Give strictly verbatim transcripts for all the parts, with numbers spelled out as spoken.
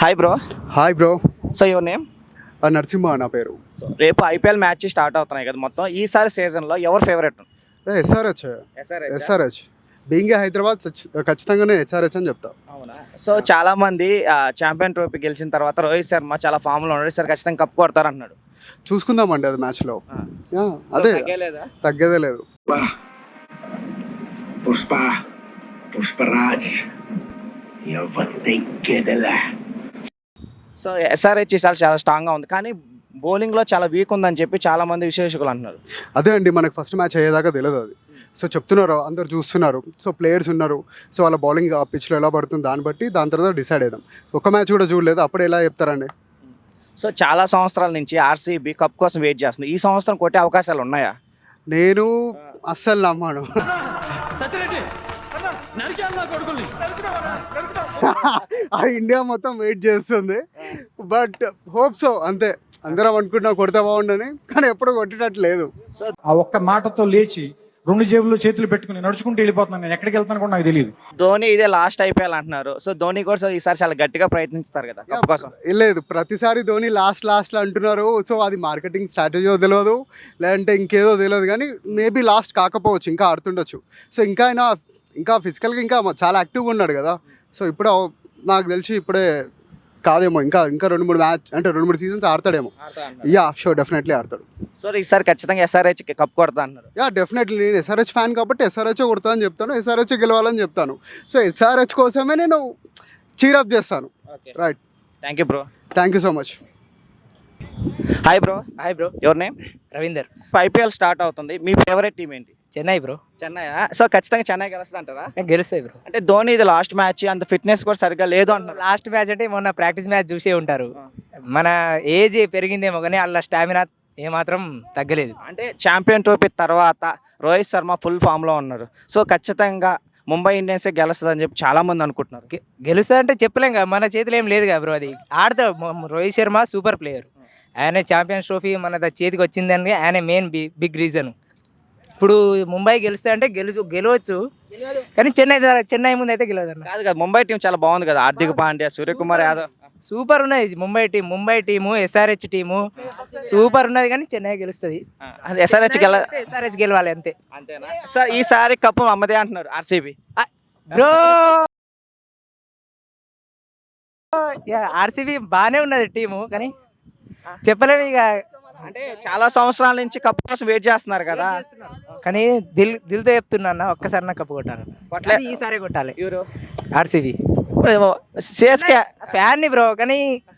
Hi bro. Hi bro. So your name? Narasimha నా పేరు. So రేపు ఐపీఎల్ మ్యాచ్ స్టార్ట్ అవుతున్నాయి కదా మొత్తం. ఈసారి సీజన్లో ఎవరు favourite? SRH. SRH being Hyderabad ఖచ్చితంగా నేను ఎస్ఆర్హెచ్ అని చెప్తా. అవునా? సో చాలా మంది ఛాంపియన్ ట్రోఫీ గెలిచిన తర్వాత రోహిత్ శర్మ చాలా ఫామ్లో ఉన్నాడు, సార్ ఖచ్చితంగా కప్ కొడతారు అన్నాడు. చూసుకుందామండి అది మ్యాచ్లో. అదే తగ్గేదే లేదు. పుష్ప పుష్పరాజ్ సో ఎస్ఆర్హెచ్ ఈసారి చాలా స్ట్రాంగ్గా ఉంది, కానీ బౌలింగ్లో చాలా వీక్ ఉందని చెప్పి చాలా మంది విశ్లేషకులు అంటున్నారు. అదే అండి, మనకు ఫస్ట్ మ్యాచ్ అయ్యేదాకా తెలియదు అది. సో చెప్తున్నారు, అందరు చూస్తున్నారు. సో ప్లేయర్స్ ఉన్నారు, సో వాళ్ళ బౌలింగ్ ఆ పిచ్లో ఎలా పడుతుంది దాన్ని బట్టి దాని తర్వాత డిసైడ్ అవుదాం. ఒక మ్యాచ్ కూడా చూడలేదు, అప్పుడు ఎలా చెప్తారండి? సో చాలా సంవత్సరాల నుంచి ఆర్సీబీ కప్ కోసం వెయిట్ చేస్తుంది. ఈ సంవత్సరం కొట్టే అవకాశాలు ఉన్నాయా? నేను అస్సలు నమ్మాను. ఆ ఇండియా మొత్తం వెయిట్ చేస్తుంది, బట్ హోప్ సో అంతే. అందరం అనుకుంటున్నాం కొడితే బాగుండని, కానీ ఎప్పుడు కొట్టేటట్టు లేదు. సో ఆ ఒక్క మాటతో లేచి రెండు జేబుల్లో చేతులు పెట్టుకుని నడుచుకుంటూ వెళ్ళిపోతున్నాను. నేను ఎక్కడికి వెళ్తాను కూడా నాకు తెలియదు. ధోని ఇదే లాస్ట్ ఐపీఎల్ అంటున్నారు. సో ధోని కూడా ఈసారి చాలా గట్టిగా ప్రయత్నిస్తారు కదా కప్ కోసం. లేదు, ప్రతిసారి ధోని లాస్ట్ లాస్ట్ అంటున్నారు. సో అది మార్కెటింగ్ స్ట్రాటజీ తెలియదు, లేదంటే ఇంకేదో తెలియదు, కానీ మేబీ లాస్ట్ కాకపోవచ్చు, ఇంకా ఆడుతుండొచ్చు. సో ఇంకా ఆయన ఇంకా ఫిజికల్గా ఇంకా చాలా యాక్టివ్గా ఉన్నాడు కదా. సో ఇప్పుడు నాకు తెలిసి ఇప్పుడే కాదేమో, ఇంకా ఇంకా రెండు మూడు మ్యాచ్ అంటే రెండు మూడు సీజన్స్ ఆడతాడేమో. యా షూర్, డెఫినెట్లీ ఆడతాడు. సో ఈసారి ఖచ్చితంగా ఎస్ఆర్హెచ్ కప్ కొడతా అన్నారు. యా డెఫినెట్లీ, నేను ఎస్ఆర్హెచ్ ఫ్యాన్ కాబట్టి ఎస్ఆర్హెచ్ కొడతా అని చెప్తాను, ఎస్ఆర్హెచ్ గెలవాలని చెప్తాను. సో ఎస్ఆర్హెచ్ కోసమే నేను చీరప్ చేస్తాను. Right, thank you bro. Thank you so much. Hi bro. Hi bro. Your name? Ravinder. IPL start అవుతుంది, మీ ఫేవరెట్ టీం ఏంటి? చెన్నై బ్రో. చెన్నై. సో ఖచ్చితంగా చెన్నై గెలుస్తుంది అంటారా? గెలుస్తాయి బ్రో. అంటే ధోని ఇది లాస్ట్ మ్యాచ్, అంత ఫిట్నెస్ కూడా సరిగ్గా లేదు అంటారు. లాస్ట్ మ్యాచ్ అంటే మొన్న ప్రాక్టీస్ మ్యాచ్ చూసే ఉంటారు. మన ఏజ్ పెరిగిందేమో కానీ అలా స్టామినా ఏమాత్రం తగ్గలేదు. అంటే ఛాంపియన్ ట్రోఫీ తర్వాత రోహిత్ శర్మ ఫుల్ ఫామ్లో ఉన్నారు. సో ఖచ్చితంగా ముంబై ఇండియన్సే గెలుస్తుంది అని చెప్పి చాలా మంది అనుకుంటున్నారు. గెలుస్తుంది అంటే చెప్పలేం కదా, మన చేతిలో ఏం లేదు కదా బ్రో. అది ఆడతాడు. Rohit Sharma super player. ఆయన ఛాంపియన్స్ ట్రోఫీ మన చేతికి వచ్చిందని ఆయన మెయిన్ బిగ్ రీజన్. ఇప్పుడు ముంబై గెలుస్తా అంటే గెలు గెలవచ్చు, కానీ చెన్నై చెన్నై ముందు అయితే గెలవదు అన్న. కాదు కదా, ముంబై టీం చాలా బాగుంది కదా. హార్దిక్ పాండ్యా, సూర్యకుమార్ యాదవ్ సూపర్ ఉన్నది Mumbai team. Mumbai team, SRH team super ఉన్నది, కానీ చెన్నై గెలుస్తుంది. ఎస్ఆర్హెచ్ గెల ఎస్ఆర్హెచ్ గెలవాలి అంతే. అంతేనా? సార్ ఈసారి కప్పు అమ్మదే అంటున్నారు ఆర్సీబీ. బ్రో ఆర్సీబీ బాగానే ఉన్నది టీము, కానీ చెప్పలేము ఇక. అంటే చాలా సంవత్సరాల నుంచి కప్పు కోసం వెయిట్ చేస్తున్నారు కదా, కానీ దిల్ దిల్తో చెప్తున్నా ఒక్కసారి నా కప్పు కొట్టాలి. కొట్టలేదు, ఈసారి కొట్టాలి. ఎవరు? ఆర్సీబీ. సిఎస్కే ఫ్యాన్ని బ్రో, కానీ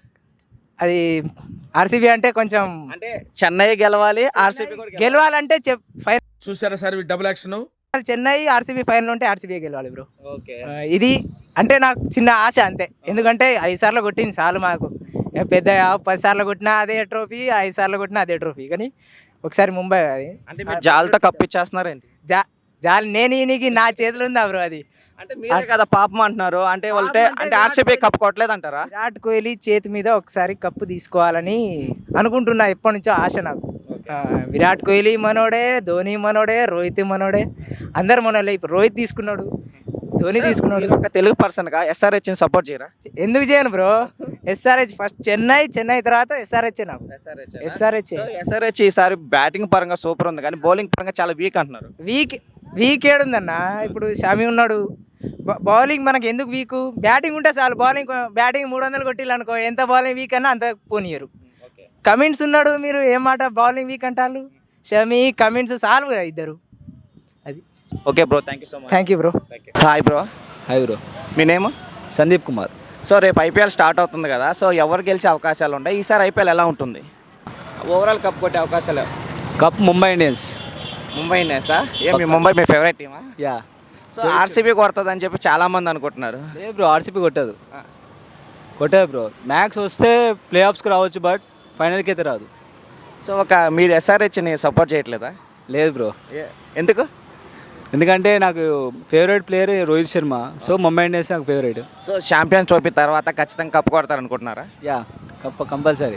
అది ఆర్సీబీ అంటే కొంచెం అంటే చెన్నై గెలవాలి, ఆర్సీబీ గెలవాలంటే ఫైనల్ చూసారా sir double action. Chennai RCB final ఉంటే ఆర్సీబీ గెలవాలి బ్రో. ఓకే, ఇది అంటే నాకు చిన్న ఆశ అంతే. ఎందుకంటే ఐదు సార్లు కొట్టింది చాలు మాకు. పెద్ద పది సార్లు కొట్టినా అదే ట్రోఫీ, ఐదు సార్లు కొట్టినా అదే ట్రోఫీ, కానీ ఒకసారి ముంబై అది అంటే మీరు జాలతో కప్పు ఇచ్చేస్తున్నారేంటి? జా జాలి నేను ఈయనకి నా చేతిలో ఉందా బ్రో అది. అంటే మీరే కదా పాపం అంటున్నారు. అంటే వాళ్ళే అంటే ఆర్సీబీ కప్పు కొట్టలేదు అంటారా? విరాట్ కోహ్లీ చేతి మీద ఒకసారి కప్పు తీసుకోవాలని అనుకుంటున్నా, ఎప్పటి నుంచో ఆశ నాకు. విరాట్ కోహ్లీ మనోడే, ధోని మనోడే, రోహిత్ మనోడే, అందరు మనోడే. ఇప్పుడు రోహిత్ తీసుకున్నాడు, ధోని తీసుకున్నాడు. ఒక తెలుగు పర్సన్గా ఎస్ఆర్హెచ్ సపోర్ట్ చేయరా? ఎందుకు చేయను bro? SRH first Chennai, Chennai తర్వాత ఎస్ఆర్హెచ్ నాకు. ఎస్ఆర్హెచ్ ఎస్ఆర్హెచ్ ఈసారి బ్యాటింగ్ పరంగా సూపర్ ఉంది, కానీ బౌలింగ్ పరంగా చాలా వీక్ అంటున్నారు. వీక్ వీక్ ఏడుందన్న. ఇప్పుడు షమి ఉన్నాడు, బౌలింగ్ మనకి ఎందుకు వీక్? బ్యాటింగ్ ఉంటే చాలు. బౌలింగ్ బ్యాటింగ్ మూడు వందలు కొట్టిల్లు అనుకో, ఎంత బౌలింగ్ వీక్ అన్నా అంత పోనీయరు. కమిన్స్ ఉన్నాడు, మీరు ఏం మాట బౌలింగ్ వీక్ అంటారు? షమి, కమిన్స్ చాలు కదా ఇద్దరు. అది okay bro, thank you so much. Thank you bro. Hi bro. Hi bro. మీ నేమ్? సందీప్ కుమార్. సో రేపు ఐపీఎల్ స్టార్ట్ అవుతుంది కదా, సో ఎవరు గెలిచే అవకాశాలు ఉంటాయి? ఈసారి ఐపీఎల్ ఎలా ఉంటుంది? ఓవరాల్ కప్ కొట్టే అవకాశాలు? Cup Mumbai Indians. ముంబై ఇండియన్సా? ఏ మీ ముంబై మీ ఫేవరెట్ టీమా? యా. సో ఆర్సీబీ కొడుతుంది అని చెప్పి చాలా మంది అనుకుంటున్నారు. లేదు బ్రో, ఆర్సీబీ కొట్టదు. కొట్టదు బ్రో. మ్యాక్స్ వస్తే ప్లే ఆఫ్స్కి రావచ్చు, బట్ ఫైనల్కి అయితే రాదు. సో ఒక మీరు ఎస్ఆర్హెచ్ని సపోర్ట్ చేయట్లేదా? లేదు బ్రో. ఎందుకు? ఎందుకంటే నాకు favourite player Rohit Sharma. So Mumbai Indians నాకు ఫేవరెట్. సో ఛాంపియన్స్ ట్రోఫీ తర్వాత ఖచ్చితంగా కప్ కొడతారు అనుకుంటున్నారా? Yeah, cup compulsory.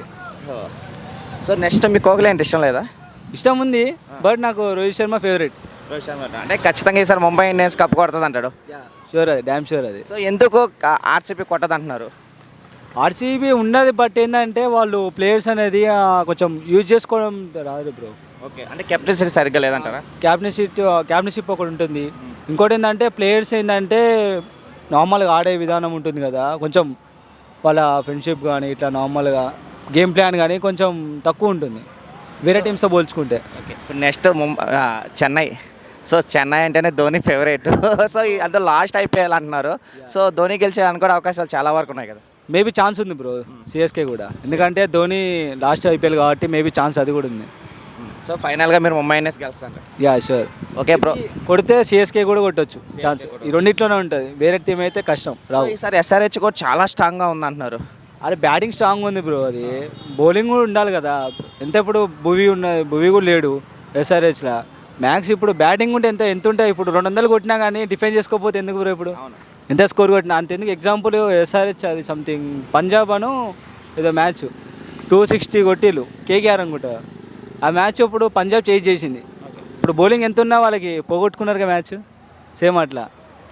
So next మీకు కోహ్లీ అంటే ఇష్టం లేదా? ఇష్టం ఉంది, బట్ నాకు రోహిత్ శర్మ ఫేవరెట్. రోహిత్ శర్మ అంటే ఖచ్చితంగా ఈసారి ముంబై ఇండియన్స్ కప్ కొడుతుంది అంటాడు. షూర్, అది డ్యామ్ షూర్ అది. సో ఎందుకు ఆర్సీబీ కొట్టదు అంటున్నారు? ఆర్సీబీ ఉన్నది బట్ ఏంటంటే వాళ్ళు ప్లేయర్స్ అనేది ఆ, కొంచెం యూజ్ చేసుకోవడం రాదు బ్రో. ఓకే, అంటే కెప్టెన్సీ సరిగ్గా లేదంటారా? క్యాప్టెన్షిప్ క్యాప్టెన్షిప్ ఒకటి ఉంటుంది. ఇంకోటి ఏంటంటే ప్లేయర్స్ ఏంటంటే నార్మల్గా ఆడే విధానం ఉంటుంది కదా, కొంచెం వాళ్ళ ఫ్రెండ్షిప్ కానీ ఇట్లా నార్మల్గా గేమ్ ప్లాన్ కానీ కొంచెం తక్కువ ఉంటుంది వేరే టీమ్స్తో పోల్చుకుంటే. ఓకే, ఇప్పుడు నెక్స్ట్ ముంబై చెన్నై. సో చెన్నై అంటేనే ధోని ఫేవరెట్. సో ఈ- అందులో లాస్ట్ ఐపీఎల్ అంటున్నారు. సో ధోని గెలిచే అనుకోవడం అవకాశాలు చాలా వరకు ఉన్నాయి కదా. మేబీ ఛాన్స్ ఉంది బ్రో సిఎస్కే కూడా, ఎందుకంటే ధోని లాస్ట్ ఐపీఎల్ కాబట్టి మేబీ ఛాన్స్ అది కూడా ఉంది. సో ఫైనల్గా మీరు ముంబై ఇండియన్స్ గెలుస్తారు. Yeah sure. Okay bro. కొడితే సిఎస్కే కూడా కొట్టొచ్చు ఛాన్స్, ఈ రెండిట్లోనే ఉంటుంది. వేరే టీం అయితే కష్టం సో రావు. ఈసారి ఎస్ఆర్హెచ్ కూడా చాలా స్ట్రాంగ్గా ఉంది అంటున్నారు. అరే బ్యాటింగ్ స్ట్రాంగ్ ఉంది బ్రో, అది బౌలింగ్ కూడా ఉండాలి కదా. ఎంత ఇప్పుడు భువి ఉన్న భువి కూడా లేడు ఎస్ఆర్హెచ్లో. మ్యాక్స్ ఇప్పుడు బ్యాటింగ్ ఉంటే ఎంత ఎంత ఉంటాయి, ఇప్పుడు రెండు వందలు కొట్టినా కానీ డిఫెండ్ చేసుకోకపోతే ఎందుకు బ్రో? ఇప్పుడు ఎంత స్కోర్ కొట్టినా అంత ఎందుకు? ఎగ్జాంపుల్ ఎస్ఆర్హెచ్ అది సంథింగ్ పంజాబ్ అను ఏదో మ్యాచ్ టూ సిక్స్టీ కొట్టిలు కేకేఆర్ అనుకుంటా. ఆ మ్యాచ్ ఇప్పుడు పంజాబ్ చేంజ్ చేసింది. ఇప్పుడు బౌలింగ్ ఎంత ఉన్నా వాళ్ళకి పోగొట్టుకున్నారు మ్యాచ్. సేమ్ అట్లా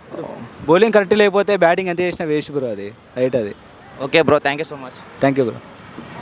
బౌలింగ్ కరెక్ట్ లేకపోతే బ్యాటింగ్ ఎంత చేసినా వేస్ట్ బ్రో, అది రైట్ అది. Okay bro, thank you so much. Thank you bro.